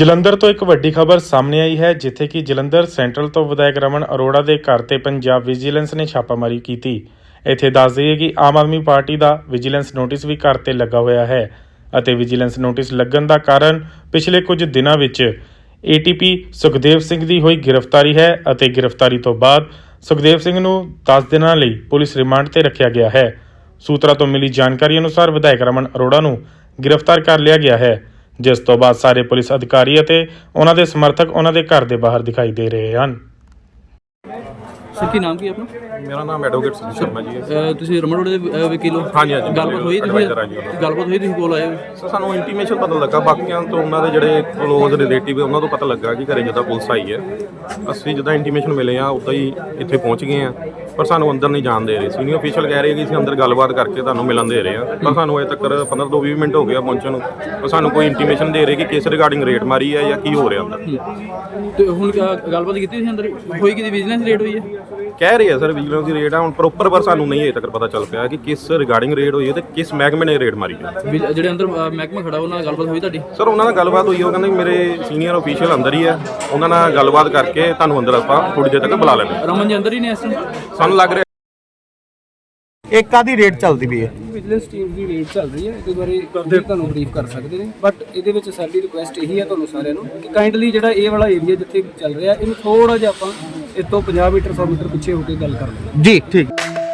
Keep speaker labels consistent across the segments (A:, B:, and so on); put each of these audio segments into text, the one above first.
A: ਜਲੰਧਰ ਤੋਂ ਇੱਕ ਵੱਡੀ ਖਬਰ ਸਾਹਮਣੇ ਆਈ ਹੈ ਜਿੱਥੇ ਕਿ ਜਲੰਧਰ ਸੈਂਟਰਲ ਤੋਂ ਵਿਧਾਇਕ ਰਮਨ ਅਰੋੜਾ ਦੇ ਘਰ ਤੇ ਪੰਜਾਬ ਵਿਜੀਲੈਂਸ ਨੇ ਛਾਪਾਮਾਰੀ ਕੀਤੀ। ਇੱਥੇ ਦੱਸ ਦਈਏ ਕਿ ਆਮ ਆਦਮੀ ਪਾਰਟੀ ਦਾ ਵਿਜੀਲੈਂਸ ਨੋਟਿਸ ਵੀ ਘਰ ਤੇ ਲੱਗਾ ਹੋਇਆ ਹੈ ਅਤੇ ਵਿਜੀਲੈਂਸ ਨੋਟਿਸ ਲੱਗਣ ਦਾ ਕਾਰਨ ਪਿਛਲੇ ਕੁਝ ਦਿਨਾਂ ਵਿੱਚ ਏਟੀਪੀ ਸੁਖਦੇਵ ਸਿੰਘ ਦੀ ਹੋਈ ਗ੍ਰਿਫਤਾਰੀ ਹੈ ਅਤੇ ਗ੍ਰਿਫਤਾਰੀ ਤੋਂ ਬਾਅਦ ਸੁਖਦੇਵ ਸਿੰਘ ਨੂੰ 10 ਦਿਨਾਂ ਲਈ ਪੁਲਿਸ ਰਿਮਾਂਡ ਤੇ ਰੱਖਿਆ ਗਿਆ ਹੈ। ਸੂਤਰਾਂ ਤੋਂ ਮਿਲੀ ਜਾਣਕਾਰੀ ਅਨੁਸਾਰ ਵਿਧਾਇਕ ਰਮਨ ਅਰੋੜਾ ਨੂੰ ਗ੍ਰਿਫਤਾਰ ਕਰ ਲਿਆ ਗਿਆ ਹੈ, ਜਿਸ ਤੋਂ ਬਾਅਦ ਸਾਰੇ ਪੁਲਿਸ ਅਧਿਕਾਰੀ ਅਤੇ ਉਹਨਾਂ ਦੇ ਸਮਰਥਕ ਉਹਨਾਂ ਦੇ ਘਰ ਦੇ ਬਾਹਰ ਦਿਖਾਈ ਦੇ ਰਹੇ ਹਨ।
B: ਸਰ ਕੀ ਨਾਮ ਕੀ ਆਪਣਾ?
C: ਮੇਰਾ ਨਾਮ ਐਡਵੋਕੇਟ ਸੁਨੀਲ ਸ਼ਰਮਾ ਜੀ ਹੈ।
B: ਤੁਸੀਂ ਰਮਨ ਰੋਡ ਦੇ ਵਕੀਲ ਹੋ?
C: ਹਾਂਜੀ।
B: ਗੱਲਬਾਤ ਹੋਈ ਤੁਸੀਂ ਕੋਲ ਆਏ ਹੋ?
C: ਸਰ ਸਾਨੂੰ ਇੰਟੀਮੇਸ਼ਨ ਪਤਾ ਲੱਗਾ, ਬਾਕੀਆਂ ਤੋਂ ਉਹਨਾਂ ਦੇ ਜਿਹੜੇ ਕਲੋਜ਼ ਰਿਲੇਟਿਵ ਉਹਨਾਂ ਤੋਂ ਪਤਾ ਲੱਗਾ ਕਿ ਘਰੇ ਜਿੱਦਾਂ ਪੁਲਿਸ ਆਈ ਹੈ। ਅਸੀਂ ਜਿੱਦਾਂ ਇੰਟੀਮੇਸ਼ਨ ਮਿਲੇ ਆ ਉੱਦਾਂ ਹੀ ਇੱਥੇ ਪਹੁੰਚ ਗਏ ਆ, ਪਰ ਸਾਨੂੰ ਅੰਦਰ ਨਹੀਂ ਜਾਣ ਦੇ ਰਹੇ। ਸੀਨੀਅਰ ਅਫੀਸ਼ੀਅਲ ਕਹਿ ਰਹੇ ਕਿ ਅਸੀਂ ਅੰਦਰ ਗੱਲਬਾਤ ਕਰਕੇ ਤੁਹਾਨੂੰ ਮਿਲਣ ਦੇ ਰਹੇ ਆ, ਪਰ ਸਾਨੂੰ ਅਜੇ ਤੱਕ 15 ਤੋਂ 20 ਮਿੰਟ ਹੋ ਗਏ ਆ ਪਹੁੰਚਣ ਨੂੰ, ਪਰ ਸਾਨੂੰ ਕੋਈ ਇੰਟੀਮੇਸ਼ਨ ਦੇ ਰਹੇ ਕਿ ਕਿਸ ਰਿਗਾਰਡਿੰਗ ਰੇਟ ਮਾਰੀ ਹੈ ਜਾਂ ਕੀ ਹੋ ਰਿਹਾ ਅੰਦਰ।
B: ਤੇ ਹੁਣ ਗੱਲਬਾਤ ਕੀਤੀ ਤੁਸੀਂ ਅੰਦਰ ਹੋਈ ਕਿ ਵਿਜੀਲੈਂਸ ਰੇਟ ਹੋਈ ਹੈ?
C: ਕਹਿ ਰਹੇ ਆ ਸਰ ਵਿਜੀਲੈਂਸ ਦੀ ਰੇਟ ਆ, ਹੁਣ ਪ੍ਰੋਪਰ ਪਰ ਸਾਨੂੰ ਨਹੀਂ ਅਜੇ ਤੱਕ ਪਤਾ ਚੱਲ ਪਿਆ ਕਿ ਕਿਸ ਰਿਗਾਰਡਿੰਗ ਰੇਟ ਹੋਈ ਹੈ ਤੇ ਕਿਸ ਮਹਿਕਮੇ ਨੇ ਰੇਟ ਮਾਰੀ ਹੈ।
B: ਜਿਹੜੇ ਅੰਦਰ ਮਹਿਕਮਾ ਖੜਾ ਉਹਨਾਂ ਨਾਲ ਗੱਲਬਾਤ ਹੋਈ ਤੁਹਾਡੀ?
C: ਸਰ ਉਹਨਾਂ ਨਾਲ ਗੱਲਬਾਤ ਹੋਈ, ਉਹ ਕਹਿੰਦੇ ਮੇਰੇ ਸੀਨੀਅਰ ਅਫੀਸ਼ੀਅਲ ਅੰਦਰ ਹੀ ਹੈ, ਉਹਨਾਂ ਨਾਲ ਗੱਲਬਾਤ ਕਰਕੇ ਤੁਹਾਨੂੰ ਅੰਦਰ ਆਪਾਂ ਥੋੜੀ ਦੇਰ ਤੱਕ ਬੁਲਾ ਲੈਂਦੇ।
B: ਰਮਨ ਜੀ ਅੰਦਰ ਹੀ ਨੇ ਇਸ ਟਾਈਮ?
C: ਸਾਨੂੰ ਲੱਗ ਰਿਹਾ
D: ਇੱਕ ਆਦੀ ਰੇਟ ਚੱਲਦੀ ਪਈ ਹੈ।
E: ਵਿਜੀਲੈਂਸ ਟੀਮ ਦੀ ਰੇਟ ਚੱਲ ਰਹੀ ਹੈ, ਇਹਦੇ ਬਾਰੇ ਤੁਹਾਨੂੰ ਬਰੀਫ ਕਰ ਸਕਦੇ ਨੇ, ਬਟ ਇਹਦੇ ਵਿੱਚ ਸਾਡੀ ਰਿਕੁਐਸਟ ਇਹੀ ਹੈ ਤੁਹਾਨੂੰ ਸਾਰਿਆਂ ਨੂੰ ਕਿ ਕਾਈਂਡਲੀ ਜਿਹੜਾ ਇਹ ਵਾਲਾ ਏਰੀਆ ਜਿੱਥੇ ਚੱਲ ਰਿਹਾ ਇਹਨੂੰ ਥੋੜਾ ਜਿਹਾ ਆਪਾਂ ਇਸ ਤੋਂ 50 ਮੀਟਰ 100 ਮੀਟਰ ਪਿੱਛੇ ਹੋ ਕੇ ਗੱਲ ਕਰ ਲਈਏ।
D: ਜੀ ਠੀਕ।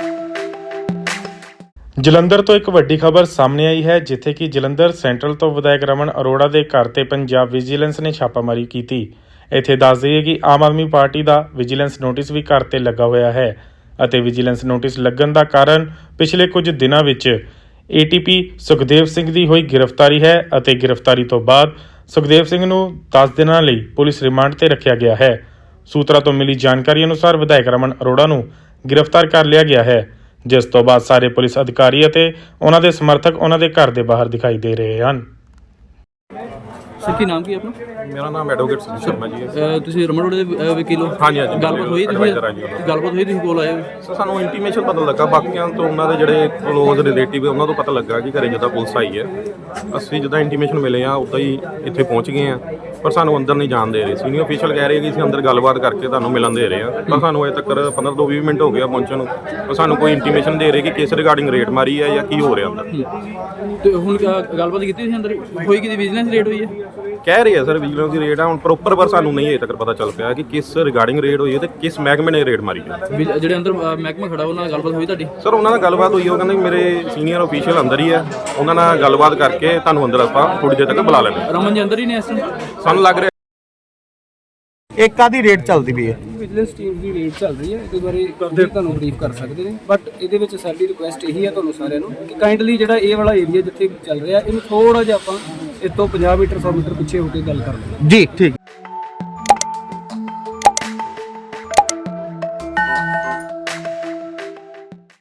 A: ਜਲੰਧਰ ਤੋਂ ਇੱਕ ਵੱਡੀ ਖਬਰ ਸਾਹਮਣੇ ਆਈ ਹੈ ਜਿੱਥੇ ਕਿ ਜਲੰਧਰ ਸੈਂਟਰਲ ਤੋਂ ਵਿਧਾਇਕ ਰਮਨ ਅਰੋੜਾ ਦੇ ਘਰ ਤੇ ਪੰਜਾਬ ਵਿਜੀਲੈਂਸ ਨੇ ਛਾਪਾਮਾਰੀ ਕੀਤੀ। ਇੱਥੇ ਦੱਸ ਦਈਏ ਕਿ ਆਮ ਆਦਮੀ ਪਾਰਟੀ ਦਾ ਵਿਜੀਲੈਂਸ ਨੋਟਿਸ ਵੀ ਘਰ ਤੇ ਲੱਗਾ ਹੋਇਆ ਹੈ ਅਤੇ ਵਿਜੀਲੈਂਸ ਨੋਟਿਸ ਲੱਗਣ ਦਾ ਕਾਰਨ ਪਿਛਲੇ ਕੁਝ ਦਿਨਾਂ ਵਿੱਚ ਏਟੀਪੀ ਸੁਖਦੇਵ ਸਿੰਘ ਦੀ ਹੋਈ ਗ੍ਰਿਫਤਾਰੀ ਹੈ ਅਤੇ ਗ੍ਰਿਫਤਾਰੀ ਤੋਂ ਬਾਅਦ ਸੁਖਦੇਵ ਸਿੰਘ ਨੂੰ 10 ਦਿਨਾਂ ਲਈ ਪੁਲਿਸ ਰਿਮਾਂਡ ਤੇ ਰੱਖਿਆ ਗਿਆ ਹੈ। ਸੂਤਰਾਂ ਤੋਂ ਮਿਲੀ ਜਾਣਕਾਰੀ ਅਨੁਸਾਰ ਵਿਧਾਇਕ ਰਮਨ ਅਰੋੜਾ ਨੂੰ ਗ੍ਰਿਫਤਾਰ ਕਰ ਲਿਆ ਗਿਆ ਹੈ, ਜਿਸ ਤੋਂ ਬਾਅਦ ਸਾਰੇ ਪੁਲਿਸ ਅਧਿਕਾਰੀ ਅਤੇ ਉਹਨਾਂ ਦੇ ਸਮਰਥਕ ਉਹਨਾਂ ਦੇ ਘਰ ਦੇ ਬਾਹਰ ਦਿਖਾਈ ਦੇ ਰਹੇ ਹਨ।
B: ਸਰ ਕੀ ਨਾਮ ਕੀ ਆਪਣਾ?
C: ਮੇਰਾ ਨਾਮ ਐਡਵੋਕੇਟ ਸੁਨੀਲ ਸ਼ਰਮਾ ਜੀ ਹੈ।
B: ਤੁਸੀਂ ਰਮਨ ਰੋਡ ਦੇ ਵਕੀਲ ਹੋ?
C: ਹਾਂਜੀ।
B: ਗੱਲਬਾਤ ਹੋਈ ਤੁਸੀਂ ਕੋਲ ਆਏ ਹੋ?
C: ਸਰ ਸਾਨੂੰ ਇੰਟੀਮੇਸ਼ਨ ਪਤਾ ਲੱਗਾ, ਬਾਕੀਆਂ ਤੋਂ ਉਹਨਾਂ ਦੇ ਜਿਹੜੇ ਕਲੋਜ਼ ਰਿਲੇਟਿਵ ਉਹਨਾਂ ਤੋਂ ਪਤਾ ਲੱਗਾ ਕਿ ਘਰੇ ਜਿੱਦਾਂ ਪੁਲਿਸ ਆਈ ਹੈ। ਅਸੀਂ ਜਿੱਦਾਂ ਇੰਟੀਮੇਸ਼ਨ ਮਿਲੇ ਆ ਉੱਦਾਂ ਹੀ ਇੱਥੇ ਪਹੁੰਚ ਗਏ ਆ, ਪਰ ਸਾਨੂੰ ਅੰਦਰ ਨਹੀਂ ਜਾਣ ਦੇ ਰਹੇ। ਸੀਨੀਅਰ ਅਫੀਸ਼ੀਅਲ ਕਹਿ ਰਹੇ ਕਿ ਅਸੀਂ ਅੰਦਰ ਗੱਲਬਾਤ ਕਰਕੇ ਤੁਹਾਨੂੰ ਮਿਲਣ ਦੇ ਰਹੇ ਆ, ਪਰ ਸਾਨੂੰ ਅਜੇ ਤੱਕ 15 ਤੋਂ 20 ਮਿੰਟ ਹੋ ਗਏ ਆ ਪਹੁੰਚਣ ਨੂੰ, ਪਰ ਸਾਨੂੰ ਕੋਈ ਇੰਟੀਮੇਸ਼ਨ ਦੇ ਰਹੇ ਕਿ ਕਿਸ ਰਿਗਾਰਡਿੰਗ ਰੇਟ ਮਾਰੀ ਹੈ ਜਾਂ ਕੀ ਹੋ ਰਿਹਾ ਅੰਦਰ।
B: ਤੇ ਹੁਣ ਗੱਲਬਾਤ ਕੀਤੀ ਤੁਸੀਂ ਅੰਦਰ ਹੋਈ ਕਿ ਵਿਜੀਲੈਂਸ ਰੇਟ ਹੋਈ ਹੈ?
C: ਕਹਿ ਰਹੇ ਆ ਸਰ ਵਿਜੀਲੈਂਸ ਦੀ ਰੇਟ ਆ, ਹੁਣ ਪ੍ਰੋਪਰ ਪਰ ਸਾਨੂੰ ਨਹੀਂ ਅਜੇ ਤੱਕ ਪਤਾ ਚੱਲ ਪਿਆ ਕਿ ਕਿਸ ਰਿਗਾਰਡਿੰਗ ਰੇਟ ਹੋਈ ਹੈ ਤੇ ਕਿਸ ਮਹਿਕਮੇ ਨੇ ਰੇਟ ਮਾਰੀ ਹੈ।
B: ਜਿਹੜੇ ਅੰਦਰ ਮਹਿਕਮਾ ਖੜਾ ਉਹਨਾਂ ਨਾਲ ਗੱਲਬਾਤ ਹੋਈ ਤੁਹਾਡੀ?
C: ਸਰ ਉਹਨਾਂ ਨਾਲ ਗੱਲਬਾਤ ਹੋਈ, ਉਹ ਕਹਿੰਦੇ ਮੇਰੇ ਸੀਨੀਅਰ ਅਫੀਸ਼ੀਅਲ ਅੰਦਰ ਹੀ ਹੈ, ਉਹਨਾਂ ਨਾਲ ਗੱਲਬਾਤ ਕਰਕੇ ਤੁਹਾਨੂੰ ਅੰਦਰ ਆਪਾਂ ਥੋੜੀ ਦੇਰ ਤੱਕ ਬੁਲਾ ਲੈਂਦੇ।
B: ਰਮਨ ਜੀ ਅੰਦਰ ਹੀ ਨੇ ਇਸ ਟਾਈਮ?
C: ਸਾਨੂੰ ਲੱਗ ਰਿਹਾ
D: ਇੱਕ ਆਦੀ ਰੇਟ ਚੱਲਦੀ ਪਈ ਹੈ।
E: ਵਿਜੀਲੈਂਸ ਟੀਮ ਦੀ ਰੇਟ ਚੱਲ ਰਹੀ ਹੈ, ਇਹਦੇ ਬਾਰੇ ਤੁਹਾਨੂੰ ਬਰੀਫ ਕਰ ਸਕਦੇ ਨੇ, ਬਟ ਇਹਦੇ ਵਿੱਚ ਸਾਡੀ ਰਿਕੁਐਸਟ ਇਹੀ ਹੈ ਤੁਹਾਨੂੰ ਸਾਰਿਆਂ ਨੂੰ ਕਿ ਕਾਈਂਡਲੀ ਜਿਹੜਾ ਇਹ ਵਾਲਾ ਏਰੀਆ ਜਿੱਥੇ ਚੱਲ ਰਿਹਾ ਇਹਨੂੰ ਥੋੜਾ ਜਿਹਾ ਆਪਾਂ ਇਸ ਤੋਂ 50 ਮੀਟਰ 100 ਮੀਟਰ ਪਿੱਛੇ ਹੋ ਕੇ ਗੱਲ ਕਰ ਲਈਏ।
D: ਜੀ ਠੀਕ।